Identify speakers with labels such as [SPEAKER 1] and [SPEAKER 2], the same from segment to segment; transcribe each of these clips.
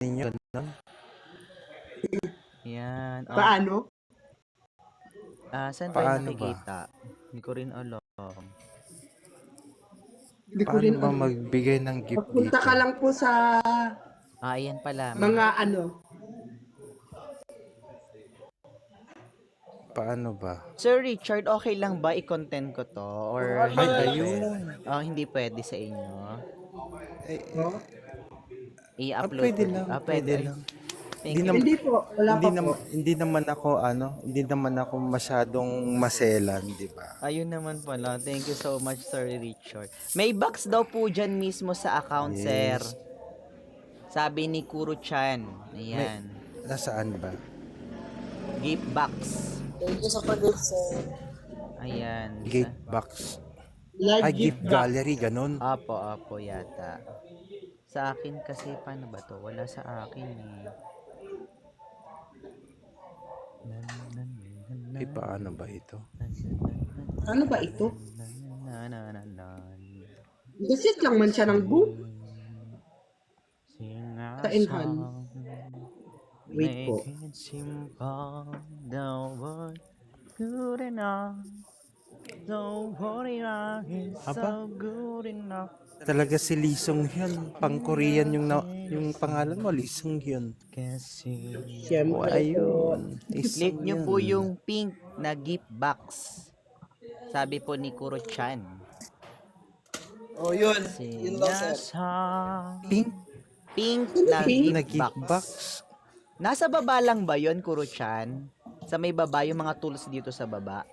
[SPEAKER 1] ninyo, ganun?
[SPEAKER 2] Yan.
[SPEAKER 3] Paano?
[SPEAKER 2] Saan ba yung
[SPEAKER 1] Paano ba?
[SPEAKER 2] nakikita? Hindi ko rin alam.
[SPEAKER 3] Hindi ko
[SPEAKER 1] Paano
[SPEAKER 3] rin
[SPEAKER 1] ba
[SPEAKER 3] alam.
[SPEAKER 1] magbigay ng gift
[SPEAKER 3] Pagpunta
[SPEAKER 1] dito?
[SPEAKER 3] ka lang po sa
[SPEAKER 2] Ayan pala.
[SPEAKER 3] mga ano.
[SPEAKER 1] Paano ba?
[SPEAKER 2] Sir Richard, okay lang ba i-content ko to? Or
[SPEAKER 1] Ay,
[SPEAKER 2] hindi
[SPEAKER 1] ayun.
[SPEAKER 2] pwede? Hindi pwede sa inyo.
[SPEAKER 3] Oh?
[SPEAKER 2] I-upload
[SPEAKER 1] Pwede
[SPEAKER 2] ko.
[SPEAKER 1] lang,
[SPEAKER 2] Pwede.
[SPEAKER 1] pwede
[SPEAKER 2] Ay,
[SPEAKER 1] lang.
[SPEAKER 2] thank
[SPEAKER 1] Hindi
[SPEAKER 2] you.
[SPEAKER 1] naman,
[SPEAKER 3] Hindi po. Wala pa po.
[SPEAKER 1] hindi naman ako masyadong maselan, di ba?
[SPEAKER 2] Ayun naman pala. Thank you so much, Sir Richard. May box daw po dyan mismo sa account, sir.
[SPEAKER 1] Yes.
[SPEAKER 2] Sabi ni Kuro-chan.
[SPEAKER 1] May,
[SPEAKER 2] Ayan.
[SPEAKER 1] nasaan ba?
[SPEAKER 2] Gift box.
[SPEAKER 4] Thank you sa pag-gift, sir.
[SPEAKER 2] Ayan.
[SPEAKER 1] Gift box.
[SPEAKER 3] Live
[SPEAKER 1] Ay, gift
[SPEAKER 3] gift box.
[SPEAKER 1] gallery, ganun.
[SPEAKER 2] Apo yata. Sa akin kasi, paano ba to? Wala sa akin eh.
[SPEAKER 1] Eh, paano ba ito?
[SPEAKER 3] Ano ba ito? Gasit lang man siya ng boom. Sa enhance. Wait po.
[SPEAKER 2] Make it simple, don't worry, good enough. Don't worry, it's so good enough.
[SPEAKER 1] Talaga si Lee Sung Hyun. Pang-Korean yung pangalan mo, Lee Sung Hyun.
[SPEAKER 2] Kasi
[SPEAKER 1] Oh,
[SPEAKER 3] Siyempre po.
[SPEAKER 1] ayun.
[SPEAKER 2] click nyo po yung pink na gift box. Sabi po ni Kuro-chan.
[SPEAKER 4] Oh, yun. Yun daw, sir.
[SPEAKER 1] Pink
[SPEAKER 2] Pink na
[SPEAKER 3] Pink?
[SPEAKER 1] na
[SPEAKER 2] gift
[SPEAKER 1] gift
[SPEAKER 2] box.
[SPEAKER 1] box.
[SPEAKER 2] Nasa baba lang ba yon, Kuro-chan? Sa may baba, yung mga tools dito sa baba.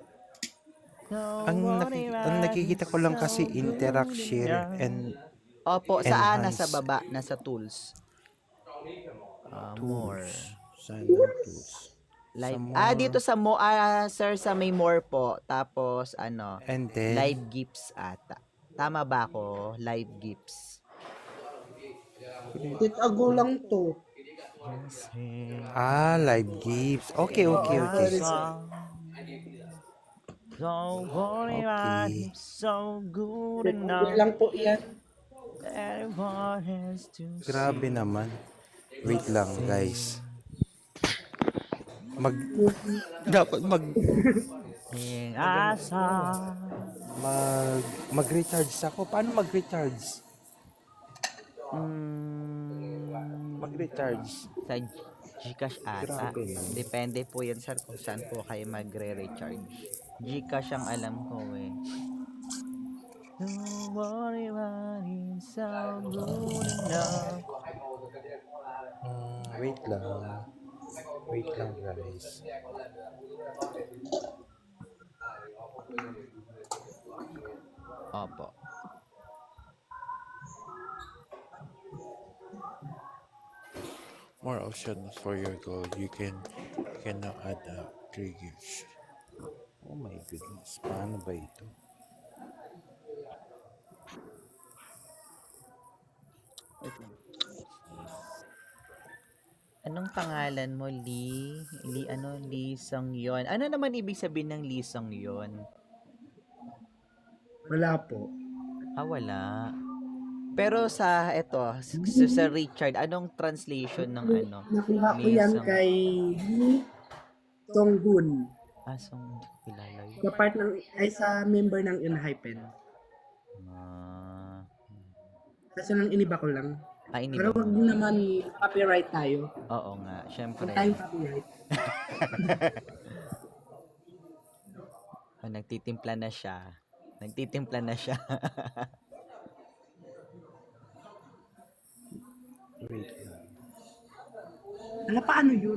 [SPEAKER 1] Ang nakikita ko lang kasi interact, share, and
[SPEAKER 2] Opo,
[SPEAKER 1] enhance.
[SPEAKER 2] nasa baba, nasa tools. More.
[SPEAKER 1] Tools. Saan ang tools?
[SPEAKER 2] Live.
[SPEAKER 1] Sa more.
[SPEAKER 2] Dito sa sir, sa may more po. Tapos,
[SPEAKER 1] And then,
[SPEAKER 2] live gifts ata. Tama ba ako? Live gifts.
[SPEAKER 3] Titago lang to.
[SPEAKER 1] live gifts. Okay.
[SPEAKER 2] Don't worry,
[SPEAKER 1] Okay.
[SPEAKER 2] it's so good
[SPEAKER 3] Titago
[SPEAKER 2] enough.
[SPEAKER 3] lang po yan.
[SPEAKER 2] Everyone has to
[SPEAKER 1] Grabe naman. Wait lang, guys.
[SPEAKER 2] sing a song.
[SPEAKER 1] Mag-recharge ako. Paano mag-recharge? Mag-recharge.
[SPEAKER 2] Sa Gcash ata.
[SPEAKER 1] Grabe naman.
[SPEAKER 2] Depende po yan, sir, kung saan po kayo magre-recharge. Gcash ang alam ko eh. Don't worry about it, so good enough.
[SPEAKER 1] Wait lang. Wait lang, guys.
[SPEAKER 2] Opo.
[SPEAKER 1] More options for your goal. You can now add up 3 gifts. Oh my goodness. Paano ba ito?
[SPEAKER 2] Anong pangalan mo, Lee? Lee Sung-yeon. Ano naman ibig sabihin ng Lee Sung-yeon?
[SPEAKER 3] Wala po.
[SPEAKER 2] Wala. Pero sa sa Richard, anong translation ng
[SPEAKER 3] Nakuha ko
[SPEAKER 2] Lee
[SPEAKER 3] yan
[SPEAKER 2] Sung?
[SPEAKER 3] kay Lee Sung-hoon.
[SPEAKER 2] Sung, kilala yun.
[SPEAKER 3] Sa part ng, ay sa member ng Enhypen. Kasi nang iniba ko lang.
[SPEAKER 2] Ini
[SPEAKER 3] Pero
[SPEAKER 2] ba?
[SPEAKER 3] wag naman copyright tayo.
[SPEAKER 2] Oo nga, syempre.
[SPEAKER 3] Huwag tayong copyright.
[SPEAKER 2] Nagtitimpla na siya.
[SPEAKER 1] Wait lang.
[SPEAKER 3] Paano yun?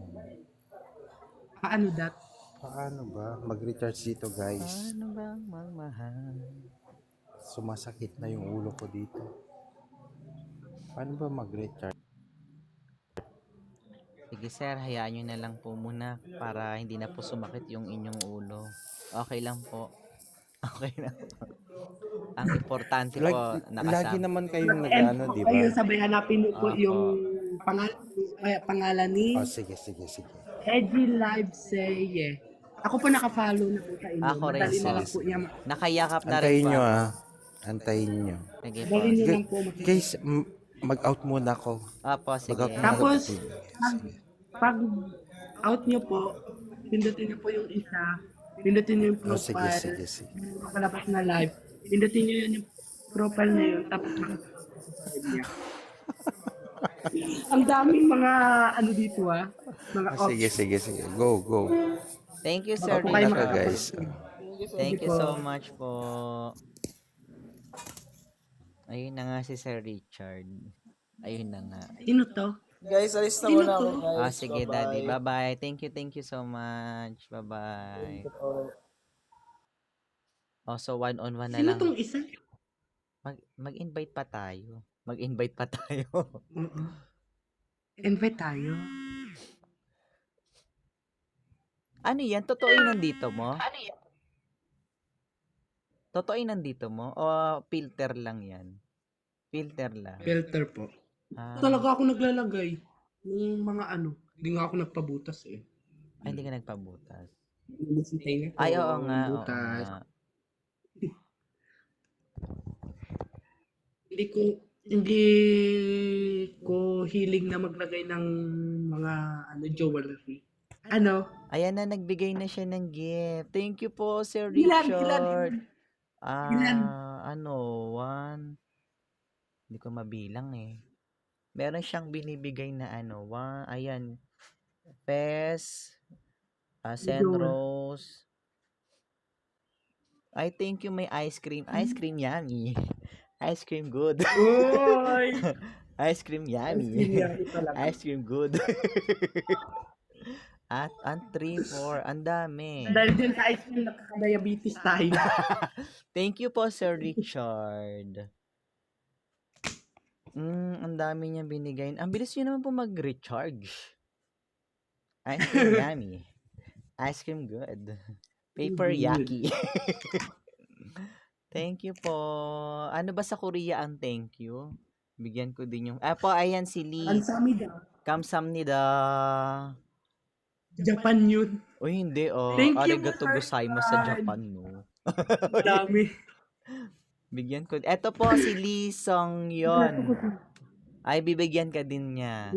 [SPEAKER 3] Paano that?
[SPEAKER 1] Paano ba? Mag-recharge dito, guys.
[SPEAKER 2] Ano bang magmahal?
[SPEAKER 1] Sumasakit na yung ulo ko dito. Paano ba mag-recharge?
[SPEAKER 2] Sige sir, hayaan nyo na lang po muna para hindi na po sumakit yung inyong ulo. Okay lang po. Okay na po. Ang importante po,
[SPEAKER 1] Lagi
[SPEAKER 2] nakasama.
[SPEAKER 1] naman kayong
[SPEAKER 3] And
[SPEAKER 1] nag-ano, di ba?
[SPEAKER 3] kayo sabay hanapin niyo po
[SPEAKER 2] Opo.
[SPEAKER 3] yung pangalan ni
[SPEAKER 1] Sige.
[SPEAKER 3] Edgy Live Say. Ako po nakafollow na po sa inyo.
[SPEAKER 2] Ako rin,
[SPEAKER 3] Madali na
[SPEAKER 2] sir.
[SPEAKER 3] lang po niya.
[SPEAKER 2] Nakayakap na rin
[SPEAKER 1] Antayin
[SPEAKER 2] po.
[SPEAKER 1] nyo, Antayin nyo.
[SPEAKER 2] Sige po.
[SPEAKER 3] Madali nyo lang po makikita.
[SPEAKER 1] Guys, Mag-out muna ako.
[SPEAKER 2] Opo, sige.
[SPEAKER 1] Mag-out muna ako.
[SPEAKER 3] Tapos,
[SPEAKER 1] Sige.
[SPEAKER 3] pag out nyo po, pindutin nyo po yung isa, pindutin nyo yung
[SPEAKER 1] Oh, sige,
[SPEAKER 3] profile,
[SPEAKER 1] sige, sige.
[SPEAKER 3] palabas na live, pindutin nyo yun yung profile na yun, tapos makasubscribe niya. Ang daming mga ano dito mga
[SPEAKER 1] Ah, sige, sige, sige. Go, go.
[SPEAKER 2] Thank you, Sir
[SPEAKER 3] Opo kayo
[SPEAKER 1] Muna ka,
[SPEAKER 2] Richard.
[SPEAKER 1] guys.
[SPEAKER 2] Thank you so much po. Ayun na nga si Sir Richard. Ayun na nga.
[SPEAKER 3] Sino to?
[SPEAKER 4] Guys, alis na
[SPEAKER 3] Sino
[SPEAKER 4] muna ako,
[SPEAKER 3] to?
[SPEAKER 4] guys.
[SPEAKER 2] Sige, Daddy. Bye-bye. Thank you so much. Bye-bye. So one-on-one na
[SPEAKER 3] Sino
[SPEAKER 2] lang.
[SPEAKER 3] tong isa?
[SPEAKER 2] Mag-invite pa tayo. Mag-invite pa tayo.
[SPEAKER 3] Invite tayo.
[SPEAKER 2] Ano yan? Totoo yung nandito mo? Totoo yung nandito mo? O filter lang yan? Filter lang.
[SPEAKER 3] Filter po.
[SPEAKER 2] Ah,
[SPEAKER 3] Talaga ako naglalagay ng mga ano. Hindi nga ako nagpabutas eh.
[SPEAKER 2] hindi ka nagpabutas.
[SPEAKER 3] Inisintay na ko.
[SPEAKER 2] Ay, oo nga. Oo
[SPEAKER 3] Butas.
[SPEAKER 2] nga.
[SPEAKER 3] Hindi ko hiling na maglagay ng mga jewelry. Ano?
[SPEAKER 2] Ayan na, nagbigay na siya ng gift. Thank you po, Sir
[SPEAKER 3] Ilan?
[SPEAKER 2] Richard.
[SPEAKER 3] Ilan?
[SPEAKER 2] One. Hindi ko mabilang eh. Meron siyang binibigay na ayan. Pes, Senrose. I thank you, may ice cream. Ice cream yummy. Ice cream good.
[SPEAKER 3] Uy!
[SPEAKER 2] Ice cream yummy. Ice cream good. At 3, 4, ang dami.
[SPEAKER 3] Dahil dyan sa ice cream, nakaka-diabetes tayo.
[SPEAKER 2] Thank you po, Sir Richard. Ang dami niya binigay. Ang bilis niyo naman po mag-recharge. Ice cream yummy. Ice cream good. Paper yaki. Thank you po. Ano ba sa Korea ang thank you? Bigyan ko din yung... ayan si Lee.
[SPEAKER 3] Ansamida.
[SPEAKER 2] Kamsamnida.
[SPEAKER 3] Japan yun.
[SPEAKER 2] Uy, hindi
[SPEAKER 3] Thank you,
[SPEAKER 2] Arigato
[SPEAKER 3] Sir
[SPEAKER 2] gozaimasu sa
[SPEAKER 3] Richard.
[SPEAKER 2] Japan, no?
[SPEAKER 3] Dami.
[SPEAKER 2] Bigyan ko. Eto po si Lee Song Yon. Ay, bibigyan ka din niya.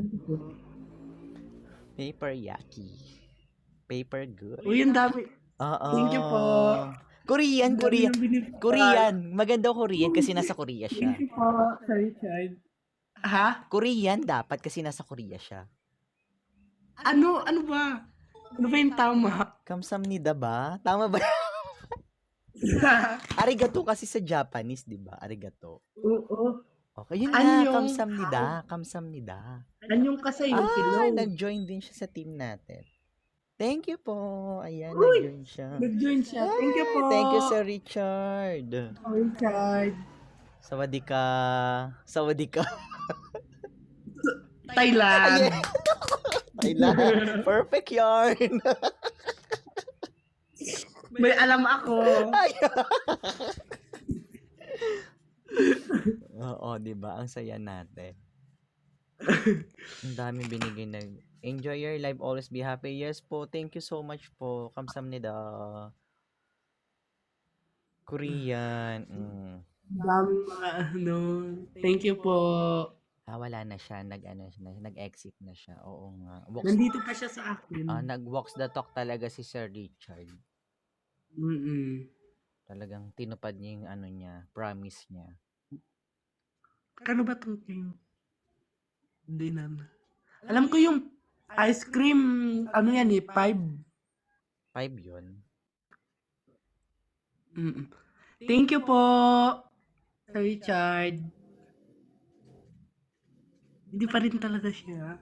[SPEAKER 2] Paper yaki. Paper good.
[SPEAKER 3] Uy, ang dami.
[SPEAKER 2] Oo.
[SPEAKER 3] Thank you po.
[SPEAKER 2] Korean.
[SPEAKER 3] Ang dami ng binibigay.
[SPEAKER 2] Korean. Maganda Korean kasi nasa Korea siya.
[SPEAKER 3] Thank you po, Sir Richard. Ha?
[SPEAKER 2] Korean dapat kasi nasa Korea siya.
[SPEAKER 3] Ano ba? Ano ba yung tama?
[SPEAKER 2] Kamsamnida ba? Tama ba? Arigato kasi sa Japanese, di ba? Arigato.
[SPEAKER 3] Oo.
[SPEAKER 2] Okay, yun
[SPEAKER 3] Anyong-
[SPEAKER 2] na. Kamsamnida. Kamsamnida.
[SPEAKER 3] Anyong kasi yung hello.
[SPEAKER 2] Nag-join din siya sa team natin. Thank you po. Ayan,
[SPEAKER 3] Uy!
[SPEAKER 2] nag-join siya.
[SPEAKER 3] Nag-join siya. Thank you po.
[SPEAKER 2] Thank you, Sir Richard.
[SPEAKER 3] Richard.
[SPEAKER 2] Sawadika. Sawadika.
[SPEAKER 3] Thailand.
[SPEAKER 2] Thailand. Perfect yarn.
[SPEAKER 3] May alam ako.
[SPEAKER 2] Oo, di ba? Ang saya natin. Ang dami binigay na. Enjoy your life. Always be happy. Yes po. Thank you so much po. Kamsamnida. Korean.
[SPEAKER 3] Daming mga Thank you po.
[SPEAKER 2] Wala na siya. Nag-exit na siya. Oo nga.
[SPEAKER 3] Nandito pa siya sa akin.
[SPEAKER 2] Nag-walks the talk talaga si Sir Richard. Talagang tinupad niya yung promise niya.
[SPEAKER 3] Kano ba itong thing? Hindi na. Alam ko yung ice cream, 5.
[SPEAKER 2] 5 yun.
[SPEAKER 3] Thank you po, Sir Richard. Hindi pa rin talaga siya.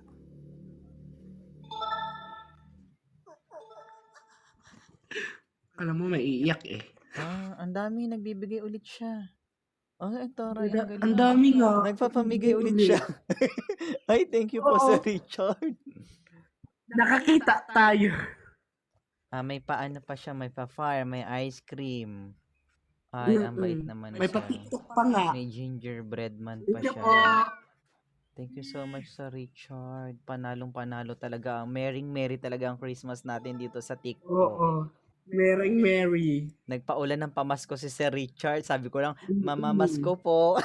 [SPEAKER 3] Alam mo, maiiyak eh.
[SPEAKER 2] Ang dami. Nagbibigay ulit siya. Ito.
[SPEAKER 3] Ang dami nga.
[SPEAKER 2] Nagpapamigay ulit siya. Ay, thank you po,
[SPEAKER 3] Oo.
[SPEAKER 2] Sir Richard.
[SPEAKER 3] Nakakita tayo.
[SPEAKER 2] May paano pa siya. May pa-fire. May ice cream. Ay, ang bait naman
[SPEAKER 3] May
[SPEAKER 2] siya.
[SPEAKER 3] pa-tiktok pa nga.
[SPEAKER 2] May gingerbread man pa
[SPEAKER 3] Thank you
[SPEAKER 2] siya.
[SPEAKER 3] po.
[SPEAKER 2] Thank you so much, Sir Richard. Panalong-panalo talaga. Merry talaga ang Christmas natin dito sa TikTok.
[SPEAKER 3] Oo. Mereng Mary.
[SPEAKER 2] Nagpaulan ng pamasko si Sir Richard. Sabi ko lang, mamamasko po.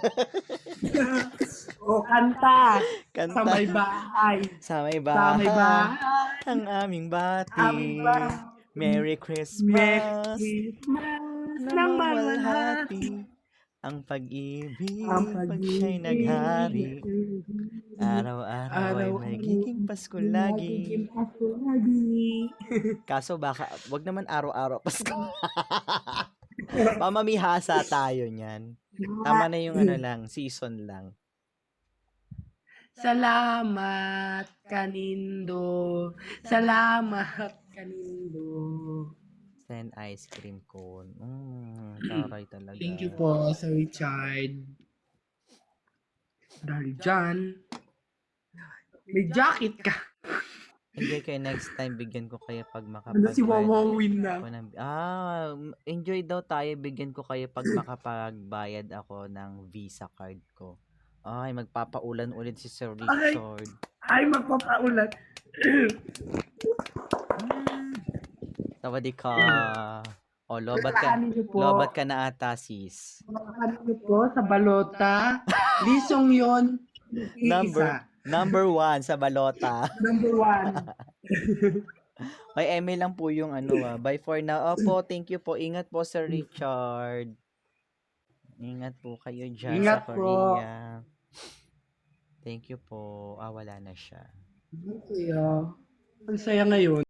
[SPEAKER 3] O, kanta. Sa
[SPEAKER 2] Kanta.
[SPEAKER 3] may bahay.
[SPEAKER 2] Sa may
[SPEAKER 3] Sa may
[SPEAKER 2] bahay.
[SPEAKER 3] bahay.
[SPEAKER 2] Ang aming bati.
[SPEAKER 3] Aming bahay.
[SPEAKER 2] Merry
[SPEAKER 3] Merry
[SPEAKER 2] Christmas.
[SPEAKER 3] Christmas ng
[SPEAKER 2] Namamalhati.
[SPEAKER 3] malwalhati.
[SPEAKER 2] Ang pag-ibig.
[SPEAKER 3] Ang
[SPEAKER 2] Pag siya'y naghari.
[SPEAKER 3] pag-ibig.
[SPEAKER 2] Araw-araw ay magiging Pasko lagi.
[SPEAKER 3] Magiging Pasko lagi.
[SPEAKER 2] Kaso baka, wag naman araw-araw Pasko. Pamamihasa tayo niyan. Tama na yung ano lang, season lang.
[SPEAKER 3] Salamat kanindo. Salamat kanindo.
[SPEAKER 2] Send ice cream cone. Taray talaga.
[SPEAKER 3] Thank you po, Sir Richard. Dahil dyan, may jacket ka.
[SPEAKER 2] Enjoy kayo next time. Bigyan ko kayo pag
[SPEAKER 3] Ano si Wawawin na?
[SPEAKER 2] Enjoy daw tayo. Bigyan ko kayo pag makapagbayad ako ng Visa card ko. Ay, magpapaulan ulit si Sir Richard.
[SPEAKER 3] Ay, magpapaulan.
[SPEAKER 2] Tawadi ka. O, lobat ka.
[SPEAKER 3] Ano niyo po?
[SPEAKER 2] Lobat ka na ata, sis.
[SPEAKER 3] Ano niyo po sa balota? Lisong yon.
[SPEAKER 2] Number 1 sa balota.
[SPEAKER 3] Number 1.
[SPEAKER 2] May email lang po yung Bye for now. Opo, thank you po. Ingat po, Sir Richard. Ingat po kayo dyan
[SPEAKER 3] Ingat
[SPEAKER 2] sa
[SPEAKER 3] po.
[SPEAKER 2] Korea. Thank you po. Wala na siya.
[SPEAKER 3] Ang saya ngayon.